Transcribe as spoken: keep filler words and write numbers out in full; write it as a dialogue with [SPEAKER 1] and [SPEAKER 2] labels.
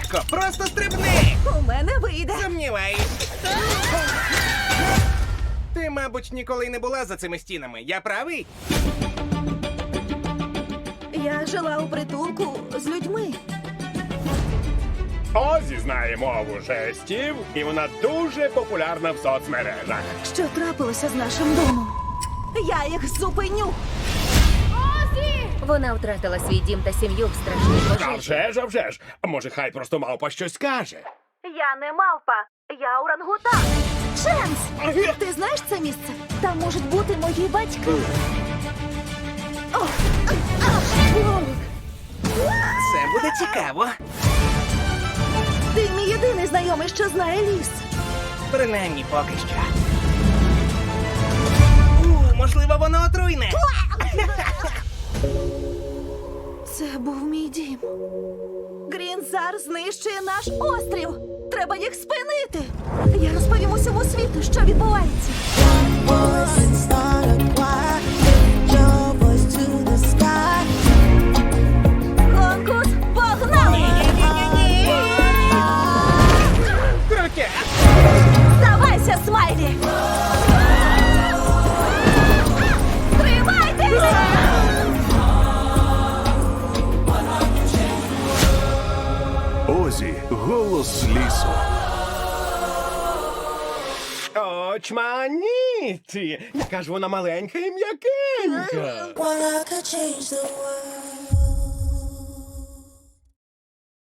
[SPEAKER 1] легко, просто стрибни!
[SPEAKER 2] У мене вийде.
[SPEAKER 1] Сумніваюсь. Ти, мабуть, ніколи й не була за цими стінами. Я правий?
[SPEAKER 2] Я жила у притулку з людьми.
[SPEAKER 3] Озі знає мову жестів, і вона дуже популярна в соцмережах.
[SPEAKER 2] Що трапилося з нашим домом? Я їх зупиню.
[SPEAKER 4] Вона втратила свій дім та сім'ю в страшній
[SPEAKER 3] А
[SPEAKER 4] пожежі.
[SPEAKER 3] вже ж, а вже ж. А може, хай просто мавпа щось скаже.
[SPEAKER 2] Я не мавпа, я орангутан. Ченс! Ти знаєш це місце? Там можуть бути мої батьки. О! О!
[SPEAKER 1] Це буде цікаво.
[SPEAKER 2] Ти мій єдиний знайомий, що знає ліс.
[SPEAKER 1] Принаймні поки що. У, можливо, воно отруйне.
[SPEAKER 2] Це був мій дім. Грінзар знищує наш острів. Треба їх спинити. Я розповім усьому світу, що відбувається.
[SPEAKER 5] Voice and start a choir. Lift your voice to the sky.
[SPEAKER 2] Конкурс погнали!
[SPEAKER 1] Крутя!
[SPEAKER 2] Здавайся, Смайлі! Тримайтесь!
[SPEAKER 6] Озі, голос лісу.
[SPEAKER 3] Очманіті! Яка ж вона маленька і м'якенька.
[SPEAKER 5] Well, I could change the world.